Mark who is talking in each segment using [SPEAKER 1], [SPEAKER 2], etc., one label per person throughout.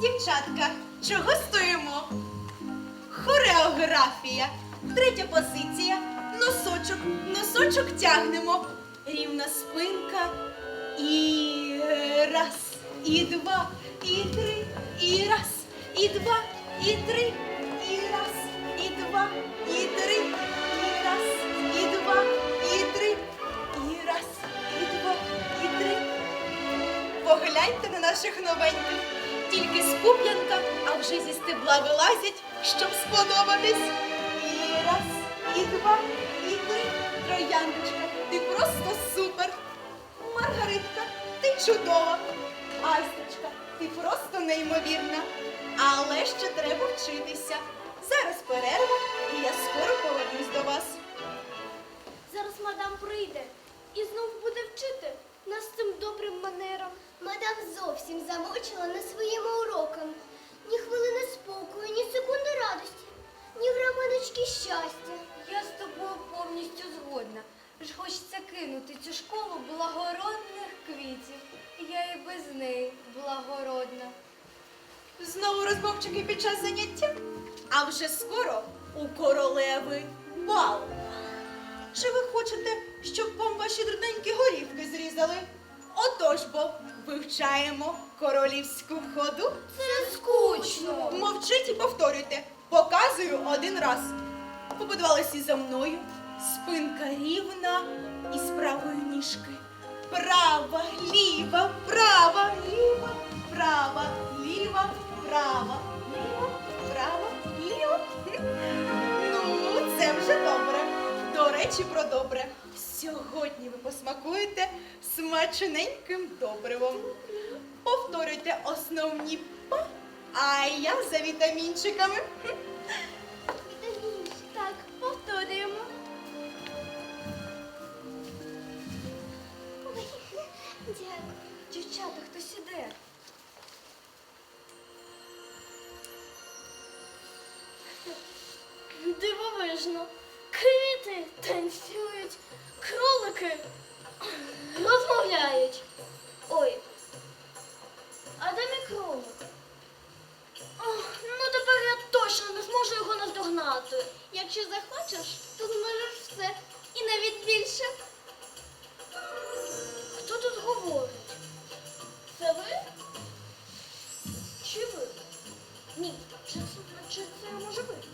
[SPEAKER 1] Дівчатка, чого стоїмо? Хореографія. Третя позиція. Носочок. Носочок тягнемо. Рівна спинка. І раз, і два, і три, і раз, і два, і три, і раз, і два, і три, і раз, і два, і три, і раз, і два, і три. Погляньте на наших новеньких. Тільки з пуп'янка, а вже зі стебла вилазять, щоб сподобатись. І раз, і два, і три. Трояндочка, ти просто супер. Маргаритка, ти чудова. Айстрочка, ти просто неймовірна. Але ще треба вчитися. Зараз перерва, і я скоро повернусь до вас.
[SPEAKER 2] Зараз мадам прийде і знов буде вчити нас цим добрим манерам.
[SPEAKER 3] Мадам зовсім замучила на своїми уроками. Ні хвилини спокою, ні секунди радості, ні граманочки щастя.
[SPEAKER 2] Я з тобою повністю згодна. Ж хочеться кинути цю школу благородних квітів. Я і без неї благородна.
[SPEAKER 1] Знову розмовчики під час заняття? А вже скоро у королеви бал. Чи ви хочете, щоб вам ваші дрібненькі горівки зрізали? Отож бо, вивчаємо королівську ходу.
[SPEAKER 2] Це скучно.
[SPEAKER 1] Мовчіть і повторюйте. Показую один раз. Побудувалися за мною. Спинка рівна і з правої ніжки. Права, ліва, права, ліва, права, ліва, права, ліва, права, ліва. Ну, це вже добре. До речі, про добре. Сьогодні ви посмакуєте смачненьким добривом. Повторюйте основні па, а я за вітамінчиками.
[SPEAKER 2] Так, повторюємо.
[SPEAKER 3] Ой, дякую.
[SPEAKER 2] Дівчата, хтось іде. Дивовижно. Квіти танцюють, кролики розмовляють. Ой, а де мій кролик? Ну тепер я точно не зможу його наздогнати. Якщо захочеш, то зможеш все. І навіть більше. Хто тут говорить? Це ви? Чи ви? Ні, чи це може ви?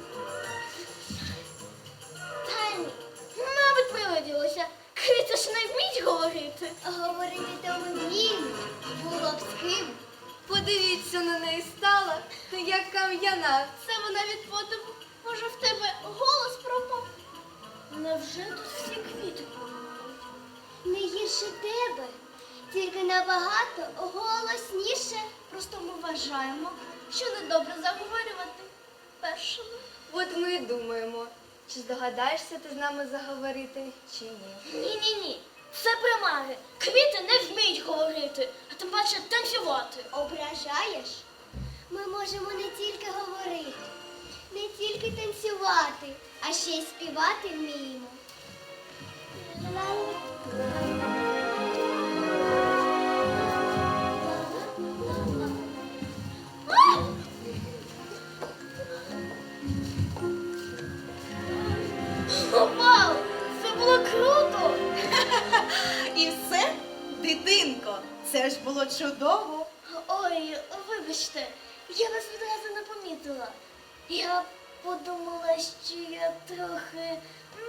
[SPEAKER 2] Та ні, мабуть, приладілося. Киця ж не вміть говорити.
[SPEAKER 3] Говорити то вміємо, було б з ким.
[SPEAKER 2] Подивіться на неї стала, як кам'яна. Це вона від подиву. Може, в тебе голос пропав? Невже тут всі квіти помирають?
[SPEAKER 3] Не гірше тебе, тільки набагато голосніше.
[SPEAKER 2] Просто ми вважаємо, що недобре заговорювати першими. От ми і думаємо, чи здогадаєшся ти з нами заговорити, чи ні. Ні. Це примари. Квіти не вміють говорити, а тим паче танцювати.
[SPEAKER 3] Ображаєш? Ми можемо не тільки говорити, не тільки танцювати, а ще й співати вміємо.
[SPEAKER 2] Вау! Це було круто!
[SPEAKER 1] І все, дитинко, це ж було чудово.
[SPEAKER 2] Ой, вибачте, я вас відразу не помітила. Я подумала, що я трохи,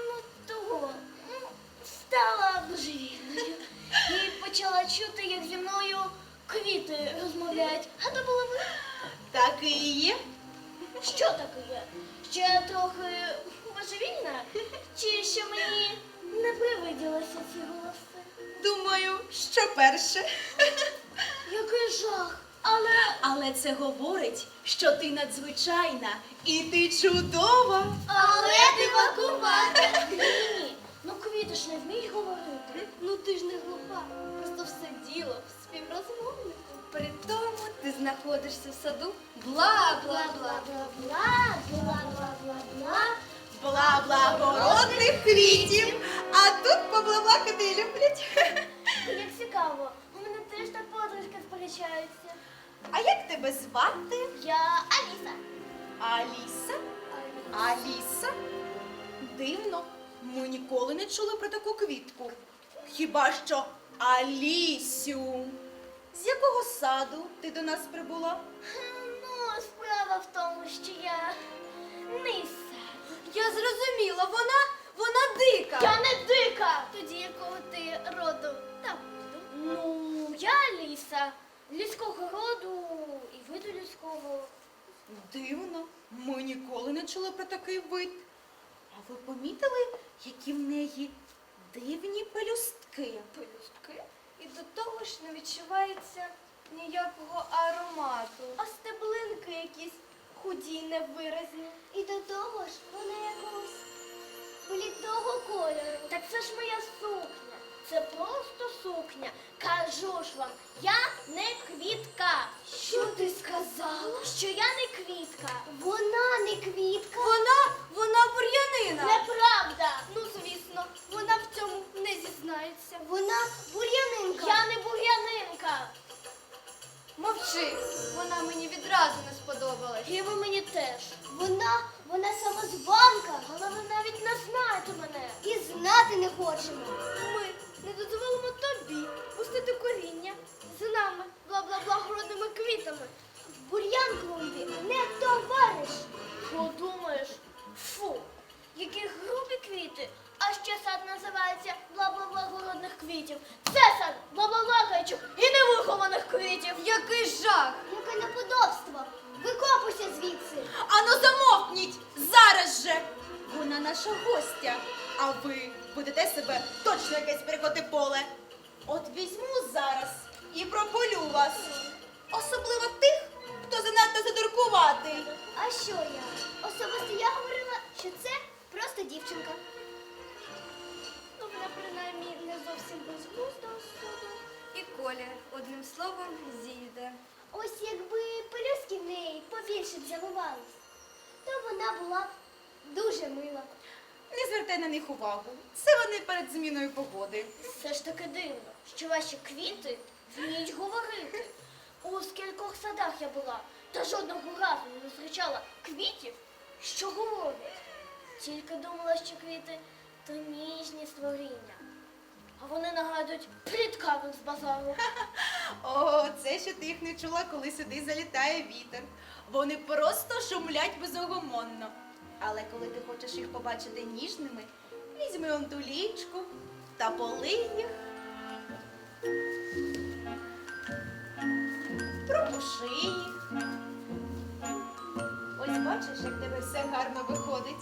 [SPEAKER 2] стала божевільною. І почала чути, як зі мною квіти розмовляють. А то було ви?
[SPEAKER 1] Так і є.
[SPEAKER 2] Що таке є? Що я трохи божевільна? Чи що мені не привиділися ці голоси?
[SPEAKER 1] Думаю, що перше.
[SPEAKER 2] Який жах!
[SPEAKER 1] Але це говорить, що ти надзвичайна і ти чудова.
[SPEAKER 2] Але дивакувата. Ні. Ну квіти ж не вміють говорити. Ну ти ж не глуха. Просто все діло в співрозмовнику. При тому ти знаходишся в саду бла-бла-бла-бла-бла, бла-бла-бла-бла.
[SPEAKER 1] Бла-благородних квітів. А тут поблабакати люблять.
[SPEAKER 2] Як цікаво, у мене теж так подружки сперечаються.
[SPEAKER 1] А як тебе звати?
[SPEAKER 3] Я Аліса.
[SPEAKER 1] Аліса? Аліса? Дивно, ми ніколи не чули про таку квітку. Хіба що Алісю. З якого саду ти до нас прибула?
[SPEAKER 3] Ну, справа в тому, що я ниса.
[SPEAKER 2] Я зрозуміла, вона дика.
[SPEAKER 3] Я не дика. Тоді якого ти роду? Там. Ну, я Аліса. Людського роду і виду людського.
[SPEAKER 1] Дивно, ми ніколи не чули про такий вид. А ви помітили, які в неї дивні пелюстки?
[SPEAKER 2] Пелюстки. І до того ж не відчувається ніякого аромату.
[SPEAKER 3] А стеблинки якісь худі, невиразні. І до того ж вона якогось блідого кольору. Так це ж моя сукня. Це просто сукня. Кажу ж вам, я не квітка. Що ти сказала? Що я не квітка. Вона не квітка.
[SPEAKER 2] Вона бур'янина.
[SPEAKER 3] Неправда. Ну, звісно, вона в цьому не зізнається. Вона бур'янинка. Я не бур'янинка.
[SPEAKER 2] Мовчи, вона мені відразу не сподобалась.
[SPEAKER 3] І ви мені теж. Вона самозванка, але ви навіть не знаєте мене. І знати не хочемо. Ми не дозволимо тобі пустити коріння з нами, бла-бла-бла, городними квітами. В бур'ян клумбі не товариш. Подумаєш, фу, які грубі квіти. А ще сад називається бла-бла-бла городних квітів. Це сад бла-бла-бла гайчук і невихованих квітів.
[SPEAKER 2] Який жах!
[SPEAKER 3] Яке неподобство! Викопуйся звідси!
[SPEAKER 1] Ану замовкніть! Зараз же! Вона наша гостя, а ви будете себе точно якесь перекоти поле. От візьму зараз і прополю вас. Особливо тих, хто занадто задуркуватий.
[SPEAKER 3] А що я? Особисто я говорила, що це просто дівчинка. Ну, вона принаймні не зовсім безглузда особа.
[SPEAKER 2] І колір, одним словом, зійде.
[SPEAKER 3] Ось якби пелюстки в неї побільше б заливались, то вона була б дуже мила.
[SPEAKER 1] Не звертай на них увагу. Це вони перед зміною погоди.
[SPEAKER 3] Все ж таки дивно, що ваші квіти вміють говорити. У скількох садах я була, та жодного разу не зустрічала квітів, що говорять. Тільки думала, що квіти то ніжні створіння. А вони нагадують пліткарів з базару.
[SPEAKER 1] О, це ще ти їх не чула, коли сюди залітає вітер. Вони просто шумлять безогомонно. Але коли ти хочеш їх побачити ніжними, візьми он ту лічку та полий їх. Пропуши їх. Ось бачиш, як в тебе все гарно виходить.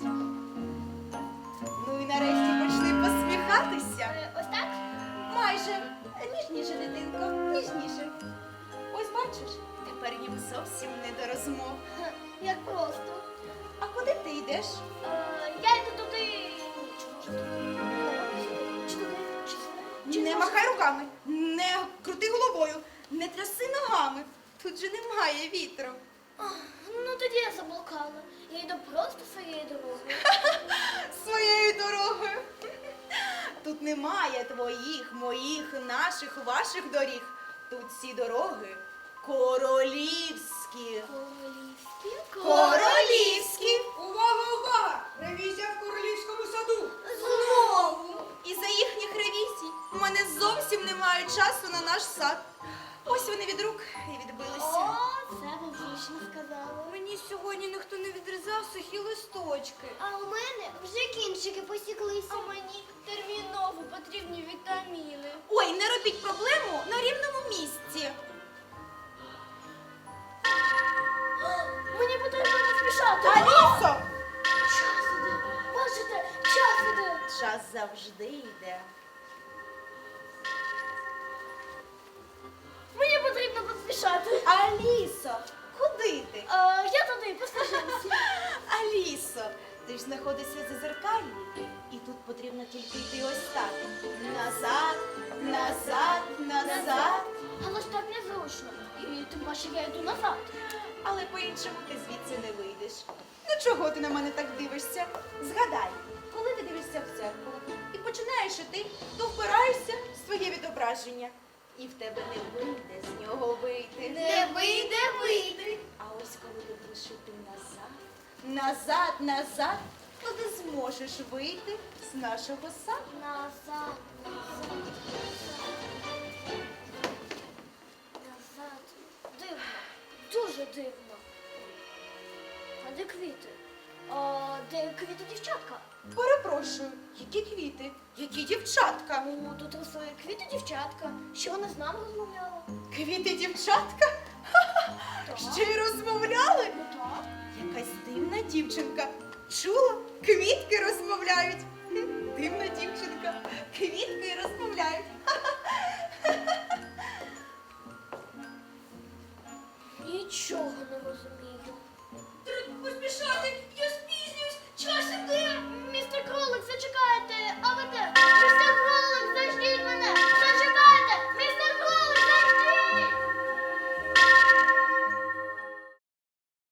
[SPEAKER 1] Ну і нарешті почни посміхатися.
[SPEAKER 3] Ось так?
[SPEAKER 1] Майже. Ніжніше, дитинко, ніжніше. Ось бачиш, тепер їм зовсім не до розмов.
[SPEAKER 3] Ха, як просто.
[SPEAKER 1] А куди ти йдеш?
[SPEAKER 3] Я йду туди. Чи може туди? Чи туди? Чи
[SPEAKER 1] Не
[SPEAKER 3] може-
[SPEAKER 1] махай руками, не крути головою, не тряси ногами. Тут же немає вітру.
[SPEAKER 3] Ну тоді я заблукала. Я йду просто своєю дорогою.
[SPEAKER 1] Своєю дорогою. Тут немає твоїх, моїх, наших, ваших доріг. Тут всі дороги королівські.
[SPEAKER 3] Королівські?
[SPEAKER 1] Королівські.
[SPEAKER 4] Увага, увага! Ревізія в королівському саду!
[SPEAKER 1] Знову! Із-за їхніх ревізій у мене зовсім немає часу на наш сад. Ось вони від рук і відбилися.
[SPEAKER 3] О, це ви влучно сказали.
[SPEAKER 2] Мені сьогодні ніхто не відрізав сухі листочки.
[SPEAKER 3] А у мене вже кінчики посіклися.
[SPEAKER 2] А мені терміново потрібні вітаміни.
[SPEAKER 1] Ой, не робіть проблему на рівному місці.
[SPEAKER 3] Мені потрібно поспішати.
[SPEAKER 1] Алісо!
[SPEAKER 3] Час іде. Бачите, час іде.
[SPEAKER 1] Час завжди йде.
[SPEAKER 3] Мені потрібно поспішати.
[SPEAKER 1] Алісо, куди ти?
[SPEAKER 3] Я туди, послухайся.
[SPEAKER 1] Алісо, ти ж знаходишся за зеркалі, і тут потрібно тільки йти ось так. Назад, назад, назад.
[SPEAKER 3] Але ж так незручно. І тим паче я йду назад.
[SPEAKER 1] Але по-іншому ти звідси не вийдеш. Ну чого ти на мене так дивишся? Згадай, коли ти дивишся в дзеркало і починаєш іти, то впираєшся в своє відображення. і в тебе не вийде з нього вийти.
[SPEAKER 3] Не вийде вийти.
[SPEAKER 1] А ось коли ти будеш йти назад, то ти зможеш вийти з нашого саду.
[SPEAKER 3] Назад, назад, назад. Дивно, дуже дивно. А де квіти? А де квіти дівчатка?
[SPEAKER 1] Перепрошую, які квіти, які дівчатка.
[SPEAKER 3] Ну, тут росли квіти дівчатка. Що вона з нами розмовляла?
[SPEAKER 1] Квіти дівчатка? Ха-ха, ще й розмовляли?
[SPEAKER 3] Ну так.
[SPEAKER 1] Якась дивна дівчинка. Чула? Квітки розмовляють.